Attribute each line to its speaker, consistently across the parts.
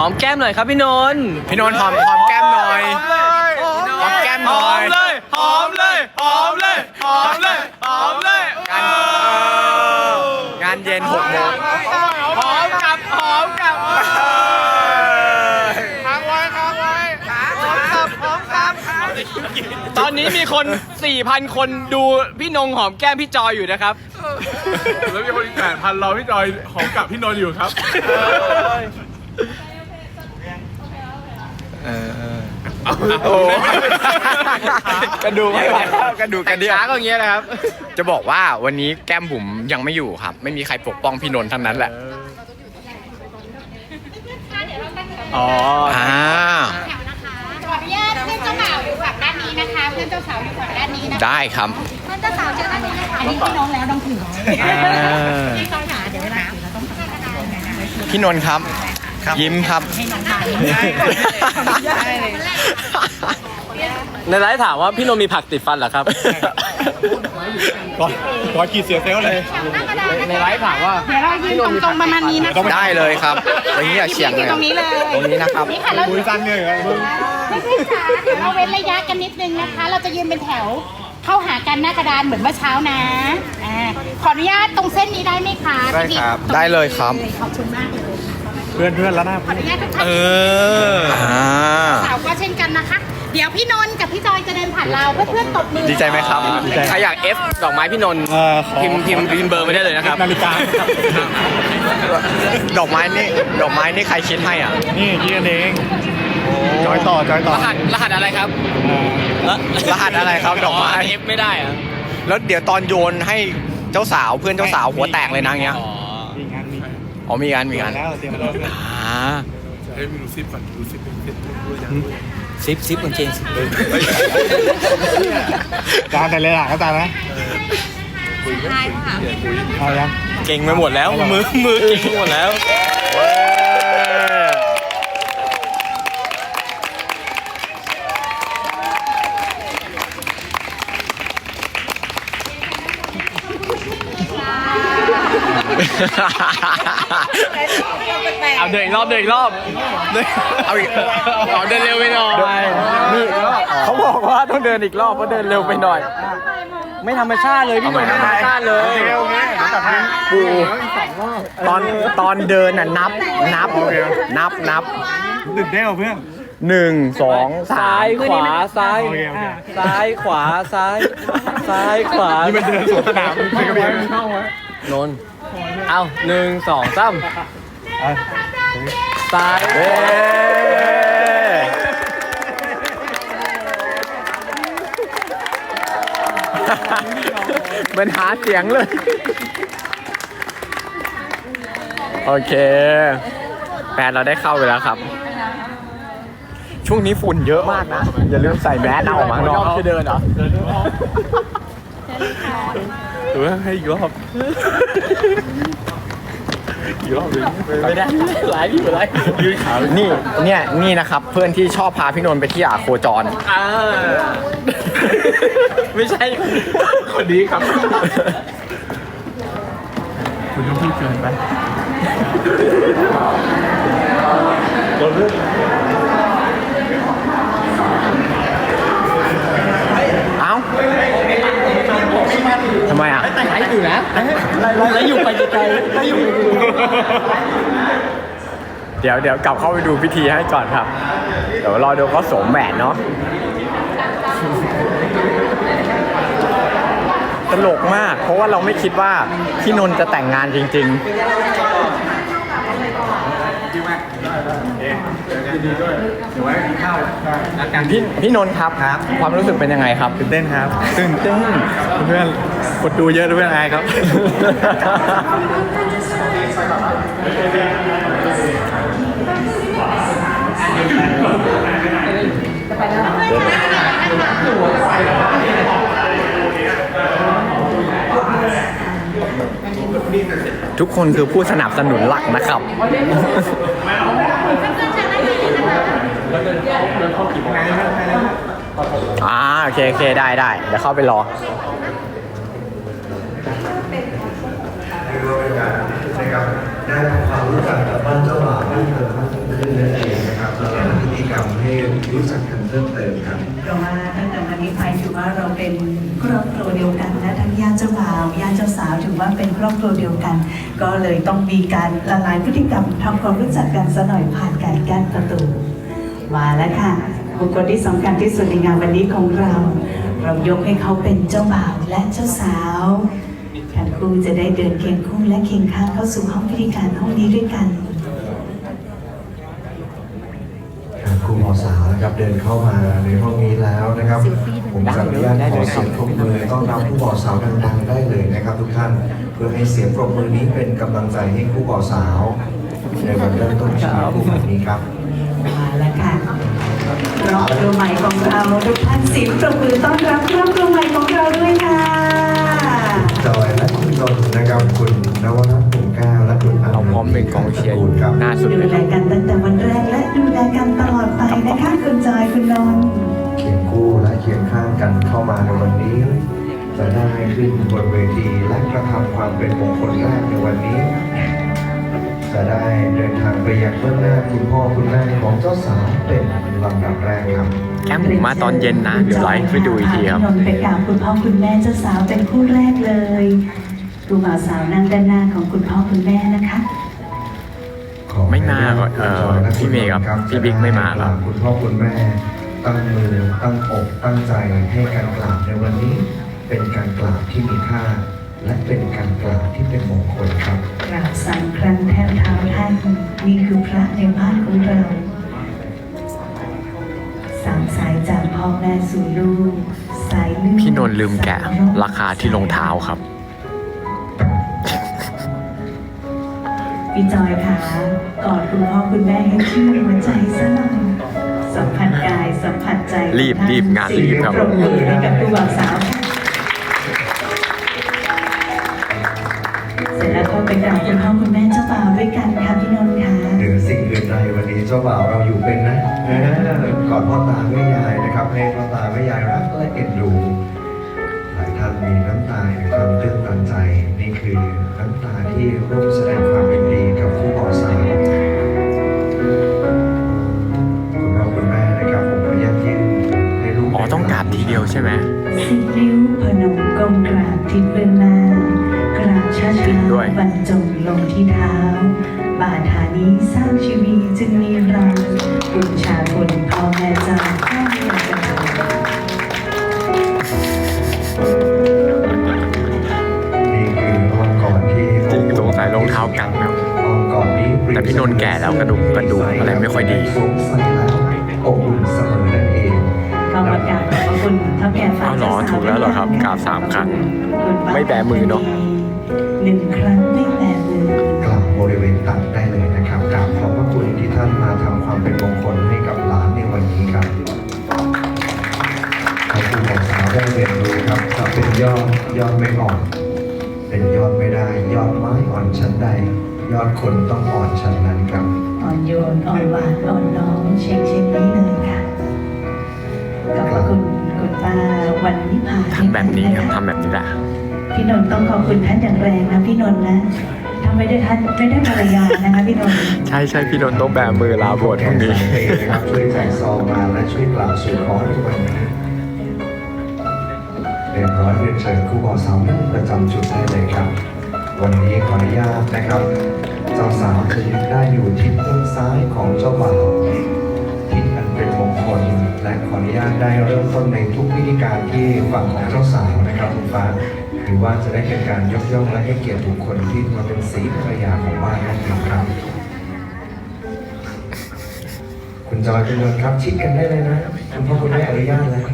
Speaker 1: อมแก้มหน่อยครับพี่นนท์
Speaker 2: พี่นนท์หอมแก้มหน่อยหอมแก้มหน่อย
Speaker 1: หอมเลย
Speaker 2: งานเย็น6 โมง
Speaker 1: หอมกับ
Speaker 3: ค้างไว้
Speaker 1: ตอนนี้มีคน 4,000 คนดูพี่นงหอมแก้มพี่จอยอยู่นะครับ
Speaker 3: แล้วมีคนอีก8,000รอพี่จอยหอมกับพี่นนท์อยู่ครับ
Speaker 2: โอ้กระดูกไม่ไหวแล้วกระดูกกระเดี่ยว
Speaker 1: ช้าก็อย่างเงี้ยนะครับ
Speaker 2: จะบอกว่าวันนี้แก้มบุ๋มยังไม่อยู่ครับ ไม่มีใครปกป้องพี่นนท์ทั้งนั้นแหละ
Speaker 1: อ๋อ
Speaker 2: อ่า
Speaker 4: ขออนุญาตเพื่อนเจ้าบ่าวอยู่ฝั่งด้านนี้นะคะ เพื่อนเจ้าสาวอยู่ฝั่งด้านนี้นะคะ
Speaker 2: ได้ครับ
Speaker 4: เพื่อนเจ้าสาวเชิญด้านนี้นะคะอันนี้พี่น้องแล้วต้องถือพี่ต้องหาเดี๋ยวเวลาถือเราต้องทำกัน
Speaker 2: พี่นนท์ครับ ยิ้มครับ
Speaker 4: ให้น้องถ่าย
Speaker 1: ในไลฟ์ถามว่าพี่นนท์มีผักติดฟันเหรอครับ
Speaker 3: ก่อนกี่เสียเซลเลย
Speaker 1: ในไลฟ์ถามว่า
Speaker 4: เดี๋ยวเรายืนตรงๆประมาณนี้นะคะ
Speaker 2: ได้เลยครับอย่างนี้อย่าเฉียงเลย
Speaker 4: ตรงนี้เลย
Speaker 2: ตรงนี้นะครับ
Speaker 4: นี่ค่ะเรา
Speaker 3: คุยสั้นเลยครับ
Speaker 4: ไม่ใช่ขาเดี๋ยวเราเว้นระยะกันนิดนึงนะคะ เราจะยืนเป็นแถว เข้าหากันหน้ากระดานเหมือนเมื่อเช้านะขออนุญาตตรงเส้นนี้ได้ไหมคะ
Speaker 3: ได้ครับ
Speaker 2: ได้เลยครับ
Speaker 4: ขอบคุณมากเลย
Speaker 3: เพื่อนแล้วนะ
Speaker 4: ขออนุญาตทุกท่าน
Speaker 2: อ่า
Speaker 4: สาวก็เช่นกันนะคะ เดี๋ยวพี่นนท์กับพี่จอยจะเดินผ่านเราเพื่อนๆตบมือ
Speaker 2: ดีใจไหมครับ
Speaker 1: ใครอยาก F ดอกไม้พี่นนท์พิมพ์เบอร์ไม่ได้เลยนะครับ
Speaker 3: นาฬิกา
Speaker 2: ดอกไม้นี่ใครคิดให้อ่ะ
Speaker 3: นี่คิดกันเองจอยต่อ
Speaker 1: รหัสอะไรครับ
Speaker 2: รหัสอะไรครับดอกไม้
Speaker 1: F ไม่ได้อะ
Speaker 2: แล้วเดี๋ยวตอนโยนให้เจ้าสาวเพื่อนเจ้าสาวหัวแตกเลยนะเงี้ย
Speaker 3: มีงานมี
Speaker 2: อ๋อมีงาน
Speaker 3: แล้วเตรียมแล้ว
Speaker 2: อ่า
Speaker 3: เฮ้ยมีดูซิปก่อนดูซิปด้วยยัง
Speaker 1: ซิปกางเกง
Speaker 3: จานแต่เลยอ่ะก็จานนะเอายัง
Speaker 1: เก่งไปหมดแล้ว มือเก่งไปหมดแล้ว เอาเดินอีกรอบเอาอีกเดินเร็วไปหน่อยนี่เขาบอกว่าต้องเดินอีกรอบเพราะเดินเร็วไปหน่อย ไม่ธรรมชาติเลยพี่หนุ่มไม่ธรรมชาติเลย
Speaker 2: ปูตอนเดินน่ะนับ
Speaker 3: ตื่นเต้นเพื่อน
Speaker 2: 1 2
Speaker 1: ซ้ายขวาซ้าย
Speaker 3: โอเค
Speaker 1: ซ้ายขวาซ้ายขวา
Speaker 3: นี่มันเดินสวนสนามเป็นกระเบียง
Speaker 1: นนท์เอา1 2 3ซ้าย
Speaker 2: เย้มันหาเสียงเลย โอเคแฟนเราได้เข้าไปแล้วครับ ช่วงนี้ฝุ่นเยอะมากนะ อย่าลืมใส่แมสเอาออกมาข้างนอก
Speaker 1: จะเดินเหรอ
Speaker 3: หรือว่าให้อีกรอบ
Speaker 1: ไม่ได้หลายที่หมดเลย
Speaker 3: ยืนขา
Speaker 2: นี่นะครับ เพื่อนที่ชอบพาพี่นนท์ไปที่โคจร
Speaker 1: ไม่ใช่
Speaker 3: คนนี้ครับคุณต้องพูดเกินไป
Speaker 2: เอ้าทำไมอ่ะ
Speaker 1: แต่ไหนอยู่นะแล้วอยู่ไปไกลๆแล้วอยู่
Speaker 2: เดี๋ยวกลับเข้าไปดูพิธีให้ก่อนครับ เดี๋ยวรอดูเขาสวมแหวนเนาะ ตลกมาก เพราะว่าเราไม่คิดว่าพี่นนท์จะแต่งงานจริงๆ พี่นนท์ครับ ความรู้สึกเป็นยังไงครับ
Speaker 3: ตื่นเต้นครับตื่นเต้นเพื่อนกดดูเยอะเพื่อนอายครับ
Speaker 2: ทุกคนคือผู้สนับสนุนหลักนะครับ โอเคได้ เดี๋ยวเข้าไปรอ
Speaker 5: นะครับได้ทำความรู้จักกับบ้านเจ้าบ่าวบ้านเธอมากยิ่งขึ้นเลยรู้จักกันเพิ่มเติมครับ
Speaker 6: เพราะว่าตั้งแต่วันนี้ไปถือว่าเราเป็นครอบครัวเดียวกันและทั้งญาติเจ้าบ่าวญาติเจ้าสาวถือว่าเป็นครอบครัวเดียวกัน ก็เลยต้องมีการละลายพฤติกรรมทำความรู้จักกันซะหน่อยผ่านการกั้นประตูมาแล้วค่ะบุคคลที่สำคัญที่สุดในงานวันนี้ของเรายกให้เขาเป็นเจ้าบ่าวและเจ้าสาวทั้งคู่จะได้เดินเคียงคู่และเคียงข้างเข้าสู่ห้องพิธีการห้องนี้ด้วยกัน
Speaker 5: ครูหมอสาวนะครับเดินเข้ามาในห้องนี้แล้วนะครับผมขออนุญาตขอเสียงปรบมือต้อนรับผู้บ่าวสาวดังๆได้เลยนะครับทุกท่านเพื่อให้เสียงปรบมือนี้เป็นกำลังใจให้ผู้บ่าวสาวในวันเริ่มต้นชีวิตคู่แบบนี้ครับ
Speaker 6: มาแล้วค่ะครอบครัวใหม่ของเราทุกท่านเสียงปรบมือต้อนรับครอบครัวใหม่ของเราด้วยค่ะ
Speaker 5: จอยและคุณนนท์นะครับคุณนวรัตน์ปุ่มแก้วและคุณ
Speaker 2: เราพร้อมเป็นกองเชียร์อยู่
Speaker 5: ครับ
Speaker 2: หน้าสุด
Speaker 6: ดู
Speaker 2: เลยค
Speaker 6: แล
Speaker 2: รับ
Speaker 6: กันตั้งแต่วันแรกและดูแลกันตลอดไปนะคะคุณจอยคุณนนท์
Speaker 5: เคียงคู่และเคียงข้างกันเข้ามาในวันนี้ จะได้ขึ้นบนเวทีและกระทำความเป็นมงคลแรกในวันนี้ จะได้เดินทางไปยังเบื้องหน้าคุณพ่อคุณแม่ของเจ้าสาวเป็นลำดับแรกครับ
Speaker 2: แก้มหมูมาตอนเย็นนะ เดี๋ยวไลฟ์ไปดูอีกทีครับ
Speaker 6: พี่นนท์ไปกราบคุณพ่อคุณแม่เจ้าสาวเป็นคู่แรกเลยดูบ่าวสาวนั่งด้านหน้าของคุณพ่อคุณแม่นะคะ
Speaker 2: ไม่มาพี่เมย์กับพี่บิ๊กไม่มาครับ
Speaker 5: คุณพ่อคุณแม่ตั้งมือตั้งอกตั้งใจให้การกราบในวันนี้ เป็นการกราบที่มีค่า และเป็นการกราบที่เป็นมงคลครับ
Speaker 6: กราบ3 ครั้งแทบเท้าท่านนี่คือพระในบ้านของเรา3 สายจากพ่อแม่สู่ลูกสายเลือด
Speaker 2: พี่นนท์ลืมแกะราคาที่รองเท้าครับ
Speaker 6: พี่จอยค่ะกอดคุณพ่อคุณแม่ให้ชื่นหัวใจซะหน่อยสัมผัสกายสัมผัสใจ
Speaker 2: รีบงานรีบครับ
Speaker 6: ปรบมือให้กับผู้บ่าวสาวค่ะเสร็จแล้วก็ไปกราบคุณพ่อคุณแม่เจ้าบ่าวด้วยกันค่ะพี่นนท์ค่ะ
Speaker 5: เหนือสิ่งอื่นใดวันนี้เจ้าบ่าวเราอยู่เป็นนะก่อนพ่อตาแม่ยายนะครับให้พ่อตาแม่ยายรักและเอ็นดูหลายท่านมีน้ำตาแห่งความตื้นตันใจนี่คือน้ำตาที่ร่วมแสดงความยินดีกับผู้บ่าวสาวคุณพ่อคุณแม่นะครับผมขออนุญาตยื่นให้ลูก
Speaker 2: อ๋อต้องกราบทีเดียวใช่ไหม
Speaker 6: สิบนิ้วพนมก้มกราบที่เบื้องหน้ากราบช้า
Speaker 2: จริงด้วย
Speaker 6: ๆบรรจงลงที่เท้า บาทานี้สร้างชีวิตจึงมีเราบุญชาบุญพ่อแม่เจ้าข้าเรียนกัน
Speaker 5: นี่คืออ้อมกอดที่
Speaker 2: จริงสงสัยรองเท้ากันครับ
Speaker 5: อ้อมกอดนี้
Speaker 2: แต่พี่นนท์แก่แล้วกระดูกอะไรไม่ค่อยดี
Speaker 5: สงสัยแล้วอบอุ่นเสมอนั่นเอง
Speaker 6: ขอบคุณขอบคุณเท่าแก่ฝ่าย
Speaker 2: เอาเหรอถูกแล้วเหรอครับกราบ3 ครั้ง
Speaker 6: คุณป้า
Speaker 2: ไม่แบมือเนอะ
Speaker 6: 1 ครั้งไม่แบมือ
Speaker 5: กลับบริเวณตัดได้เลยนะครับกราบขอบพระคุณที่ท่านมาทำความเป็นมงคลให้กับหลานในวันนี้ครับให้ผู้บ่าวสาวได้เรียนรู้ครับจะเป็นยอดไม่อ่อน เป็นยอดไม่ได้ ยอดไม้อ่อนชั้นใด ยอดคนต้องอ่อนชั้นนั้นครับ
Speaker 6: อ่อนโยนอ่อนหวานอ่อนน้อมเช็คนี้เลยค่ะขอบพระคุณคุณป้าวันนิพา
Speaker 2: ทำแบบนี้ครับทำแบบนี้แหละ
Speaker 6: พี่นนท์ต้องขอบคุณท่านอย่างแรงนะพี่นนท์นะถ้าไม่ได้ท่านไม่ได้ภรรยานะคะพี่นนท์
Speaker 2: ใช่พี่นนท์ต้องแบมือลาบวชพรุ่งนี้
Speaker 5: นะครับช่วยแจกซองมาและช่วยกล่าวสู่ขอในวันนี้เรียนร้อยเรียนเชิญครูบ่าวสาวนั่งประจำจุดได้เลยครับ วันนี้ขออนุญาตนะครับเจ้าสาวจะยืนได้อยู่ทิศด้านซ้ายของเจ้าบ่าวทิศอันเป็นมงคลและขออนุญาตได้เริ่มต้นในทุกพิธีการที่ฝั่งของเจ้าสาวนะครับคุณฟ้าหรือว่าจะได้เป็นการยกย่องและให้เกียรติบุคคลที่มาเป็นศรีภรรยาของบ้านนั่นเองครับ คุณจอยคุณนนท์ครับชิดกันได้เลยนะคุณพ่อคุณแม่อนุญาตแล้ว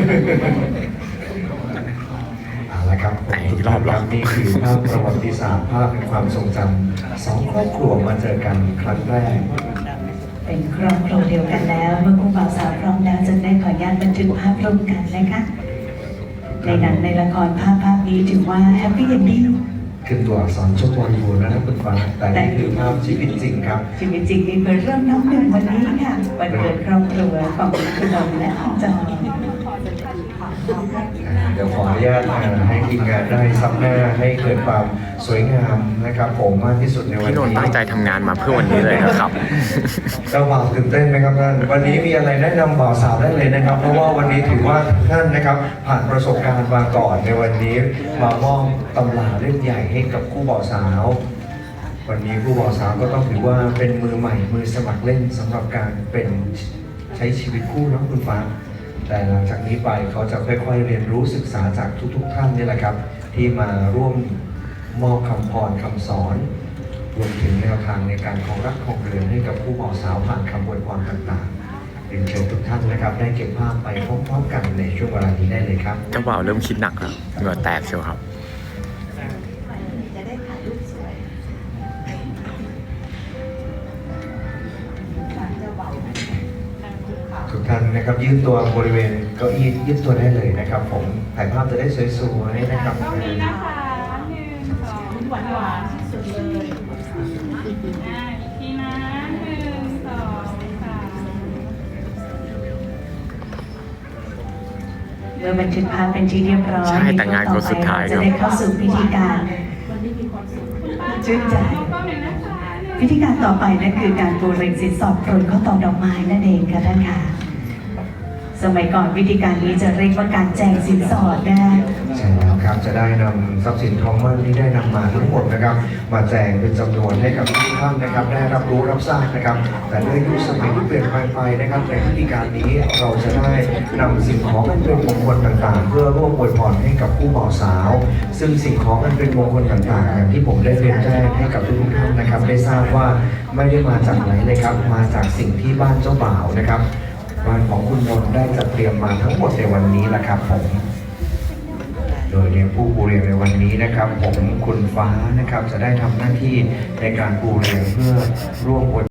Speaker 5: เอาละครับ
Speaker 2: ไหนอีกรอบเหรอ
Speaker 5: นี่คือภาพประวัติศาสตร์ภาพเป็นความทรงจำ2 ครอบครัวมาเจอกันครั้งแรก
Speaker 6: เป็นครอบครัวเดียวกันแล้วเมื่อคู่บ่าวสาวพร้อมแล้วจะได้ขออนุญาตบันทึกภาพร่วมกันนะคะในหนังในละครภาพนี้ถือว่าแฮปปี้เอนดิ้ง
Speaker 5: ขึ้นตัวอักษรชมวยูนะครับคุณฟ้าแต่นี่คือภาพชีวิตจริงครับ
Speaker 6: ชีวิตจริงนี่เปิดเริ่มน้ำหนึ่งวันนี้ค่ะวันเกิดครอบครัวของคุณนนท์และของจอย
Speaker 5: เดี๋ยวขออนุญาตให้ทีมงานได้ซับหน้าให้เกิดความสวยงามนะครับผมมากที่สุดในวัน
Speaker 2: พี่
Speaker 5: นี้
Speaker 2: นนท์ตั้งใจทำงานมาเพื่อวันนี้เลยนะครับ
Speaker 5: เจ้าบ่าวตื่นเต้นไหมครับท่านวันนี้มีอะไรแนะนำบ่าวสาวได้เลยนะครับ เพราะว่าวันนี้ถือว่าท่านนะครับผ่านประสบการณ์มาก่อนในวันนี้มามอบตำราเล่มใหญ่ให้กับคู่บ่าวสาว วันนี้คู่บ่าวสาวก็ต้องถือว่าเป็นมือใหม่มือสมัครเล่นสำหรับการเป็นใช้ชีวิตคู่นะคุณฟ้าแต่หลังจากนี้ไปเขาจะค่อยๆเรียนรู้ศึกษาจากทุกๆท่านนี่แหละครับ ที่มาร่วมมอบคำพรคำสอนรวมถึงแนวทางในการของรักของเรือนให้กับคู่บ่าวสาวผ่านคำอวยพรต่างๆเรียนเชิญทุกท่านนะครับได้เก็บภาพไปพร้อมๆกันในช่วงเวลานี้ได้เลยครับ
Speaker 2: เจ้าบ่าวเริ่มคิดหนักแล้วเหงื่อแตกเชียวครับ
Speaker 6: จะได้ถ่ายรูปสวย
Speaker 5: ทุกท่านนะครับยืดตัวบริเวณเก้าอี้ยืดตัวได้เลยนะครับ ผมถ่ายภาพจะได้สวยๆนะครับ
Speaker 4: ตรงนี้นะคะ1 2หวานหวานที่สุดเลยอีกทีนะ1 2 3
Speaker 6: เมื่อบันทึกภาพเป็นที่เรียบร้อย
Speaker 2: ใช่แต่งานคนสุดท้าย
Speaker 6: จะได้เข้าสู่พิธีการชื่นใจ พิธีการต่อไปนั่นคือการปูเรงสินสอดโปรยข้าวตอกดอกไม้นั่นเองค่ะท่านค่ะ สมัยก่อนวิธีการนี้จะเรียกว่าการแจงสินสอดนะคะ
Speaker 5: ใช่แล้วครับจะได้นำทรัพย์สินทองมั่นที่ได้นำมาทั้งหมดนะครับ มาแจกเป็นจำนวนให้กับทุกท่านนะครับ ได้รับรู้รับทราบนะครับ แต่ด้วยยุคสมัยที่เปลี่ยนไปนะครับในพิธีการนี้เราจะได้นำสิ่งของอันเป็นมงคลต่างๆ เพื่อร่วมอวยพรให้กับผู้บ่าวสาว ซึ่งสิ่งของอันเป็นมงคลต่างๆอย่างที่ผมได้เรียนแจ้งให้กับทุกท่านนะครับ ได้ทราบว่าไม่ได้มาจากไหนเลยครับ มาจากสิ่งที่บ้านเจ้าบ่าวนะครับบ้านของคุณนนท์ได้จัดเตรียมมาทั้งหมดในวันนี้แหละครับผม โดยในผู้ปูเรียงในวันนี้นะครับ ผมคุณฟ้านะครับจะได้ทำหน้าที่ในการปูเรียงเพื่อร่วมอวย